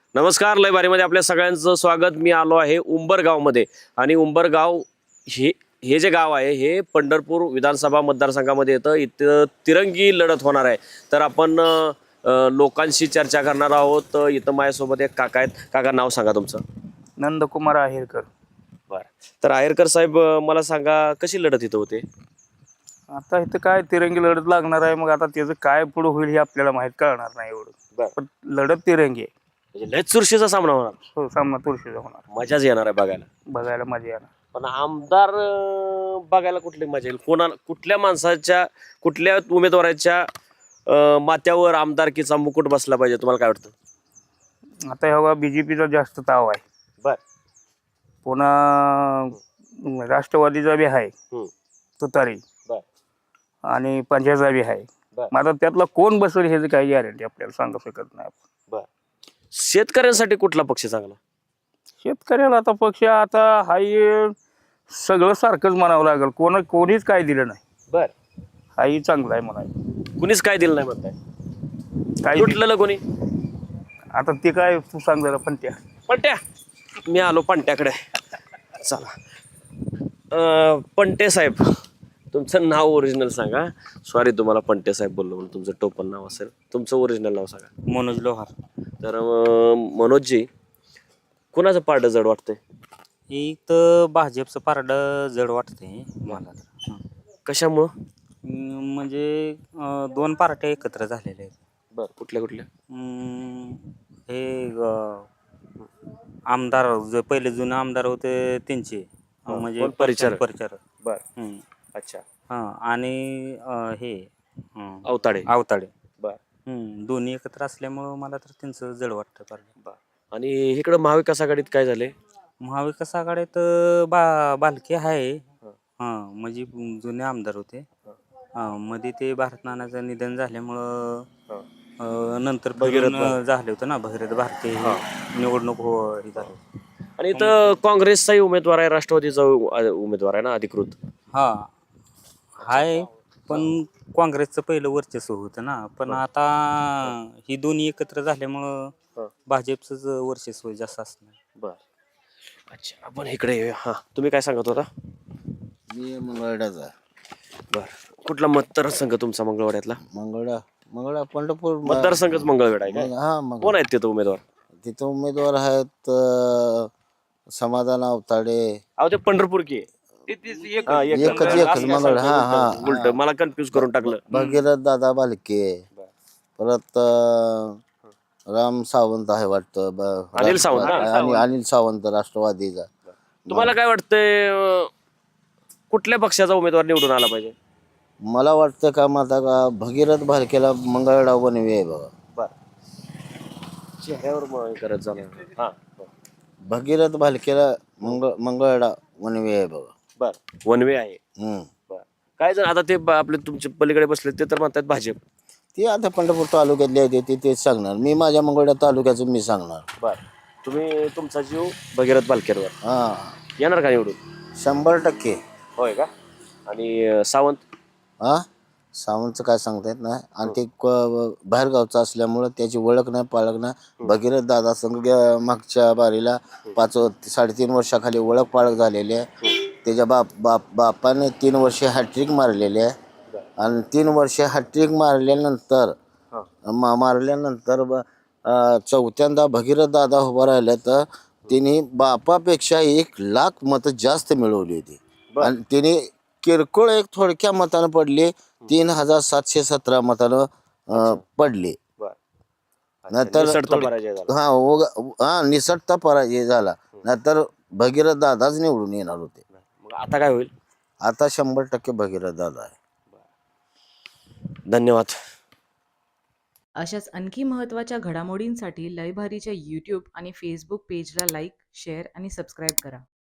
नमस्कार, लय भारीमध्ये आपल्या सगळ्यांचं स्वागत. मी आलो आहे उंबरगावमध्ये आणि उंबरगाव हे हे जे गाव आहे हे पंढरपूर विधानसभा मतदारसंघामध्ये येतं. इथं तिरंगी लढत होणार आहे. तर आपण लोकांशी चर्चा करणार आहोत. इथं माझ्यासोबत एक काका आहेत. काका, नाव सांगा तुमचं. नंदकुमार आहेरकर. बरं. तर आहेरकर साहेब, मला सांगा कशी लढत इथं होते? आता इथं काय तिरंगी लढत लागणार आहे. मग आता त्याचं काय पुढे होईल हे आपल्याला माहीत कळणार नाही एवढं. बरं. पण लढत तिरंगी आहे. म्हणजे लय चुरशीचा सामना होणार. हो, सामना तुळशीचा होणार. मजाच येणार आहे बघायला. बघायला मजा येणार. पण आमदार बघायला कुठली मजा येईल? कुठल्या माणसाच्या, कुठल्या उमेदवाराच्या माथ्यावर आमदारकीचा मुकुट बसला पाहिजे, तुम्हाला काय वाटतं? आता ह्या बीजेपीचा जास्त ताव आहे. बर. पुन्हा राष्ट्रवादीचा बी आहे तुतारी, बर. आणि पंजाचा बी आहे. बर. मग आता त्यातला कोण बसेल ह्याची काही गॅरंटी आपल्याला सांगू शकत नाही आपण. बर. शेतकऱ्यांसाठी कुठला पक्ष चांगला? शेतकऱ्याला आता पक्ष आता हाही सगळं सारखंच म्हणावं लागेल. कोणीच काय दिलं नाही. बर. हाही चांगला आहे म्हणायचं. कुणीच काय दिलं नाही म्हणताय? काय लुटलेलं कोणी? आता ते काय तू सांग जरा. पण त्या पंट्या, मी आलो पंट्याकडे. चला. पंटे साहेब, तुमचं नाव ओरिजिनल सांगा. सॉरी तुम्हाला पंटे साहेब बोललो म्हणून. तुमचं टोपण नाव असेल, तुमचं ओरिजिनल नाव सांगा. मनोज लोहार. तर मनोजजी, कुणाचं पारडं जड वाटतंय? एक भाजपचं पारडं जड वाटतंय मला तर. कशामुळं? म्हणजे दोन पार्ट्या एकत्र झालेल्या आहेत. बर. कुठल्या कुठल्या? हे आमदार जे पहिले जुने आमदार होते त्यांचे, म्हणजे कोण? परिचारक. परिचारक. बर. अच्छा. आणि हे अवताडे. आवताडे. बर. दोन्ही एकत्र असल्यामुळं मला तर त्यांचं जड वाटतं पारडं. बर. आणि इकडं महाविकास आघाडीत काय झाले? महाविकास आघाडीत बालके आहे. म्हणजे जुने आमदार होते. मध्ये ते भारत नानाचं निधन झाल्यामुळं नंतर झाले होते ना, भगीरथ भारती निवडणूक हे झाली. आणि इथं काँग्रेसचाही उमेदवार आहे, राष्ट्रवादीचा उमेदवार आहे ना अधिकृत. आहे. पण काँग्रेसचं पहिलं वर्चस्व होतं ना. पण आता ही दोन्ही एकत्र झाल्यामुळं भाजपचंच वर्चस्व जास्त असणार. बर. अच्छा, आपण इकडे येऊया. हा, तुम्ही काय सांगत होता? मी मंगळवाड्याचा. बर. कुठला मतदारसंघ तुमचा मंगळवाड्यातला? मंगळा पंढरपूर मतदारसंघच मंगळवेढा आहे काय? हा. कोण आहेत तिथं उमेदवार? तिथं उमेदवार आहेत समाधान अवताडे. अहो, ते पंढरपूर की एकच मंगळ. हा. उलट मला कन्फ्युज करून टाकलं. भगीरथ दादा बालके. परत राम सावंत आहे वाटतं. अनिल सावंत. आणि अनिल सावंत राष्ट्रवादीचा. तुम्हाला काय वाटतंय, कुठल्या पक्षाचा उमेदवार निवडून आला पाहिजे? मला वाटतं का माझा का भगीरथ भालकेला मंगळवेढा बनवी आहे बघा. बर. चेहऱ्यावर करत जाणार. हा. भगीरथ भालकेला मंगळवेढा बनवी आहे बघा. बर. वनवे आहे. बर. काय जर आता ते आपले तुमचे पलीकडे बसले ते तर म्हणतात भाजप. ते आता पंढरपूर तालुक्यातले आहे ते तेच सांगणार. मी माझ्या मंगळवेढा तालुक्याचं मी सांगणार. बर. तुम्ही तुमचा जीव भगीरथ बालकेवर हा, येणार का निवडून? 100%. होय का? आणि सावंत? हा, सावंतचं काय सांगता येत नाही. आणि ते बाहेरगावचं असल्यामुळं त्याची ओळख नाही, पाळख नाही. भगीरथ दादा संघ मागच्या बारीला 3.5 वर्षाखाली ओळख पाळख झालेली आहे. त्याच्या बापाने 3 वर्षे हॅट्रिक मारलेली आहे. आणि 3 वर्षे हॅट्रिक मारल्यानंतर चौथ्यांदा भगीरथ दादा उभा राहिले तर तिने बापापेक्षा 1,00,000 मतं जास्त मिळवली होती. आणि तिने किरकोळ एक थोडक्या मतानं पडली. 3,717 मतानं पडली. नंतर निसटता पराजय झाला. नंतर भगीरथ दादाच निवडून येणार होते. मग आता काय होईल? आता 100% भगीरथ दादा आहे. धन्यवाद. अशाच आणखी महत्त्वाच्या घडामोडींसाठी लयभारीच्या यूट्यूब आणि फेसबुक पेजला लाईक, शेअर आणि सबस्क्राईब करा.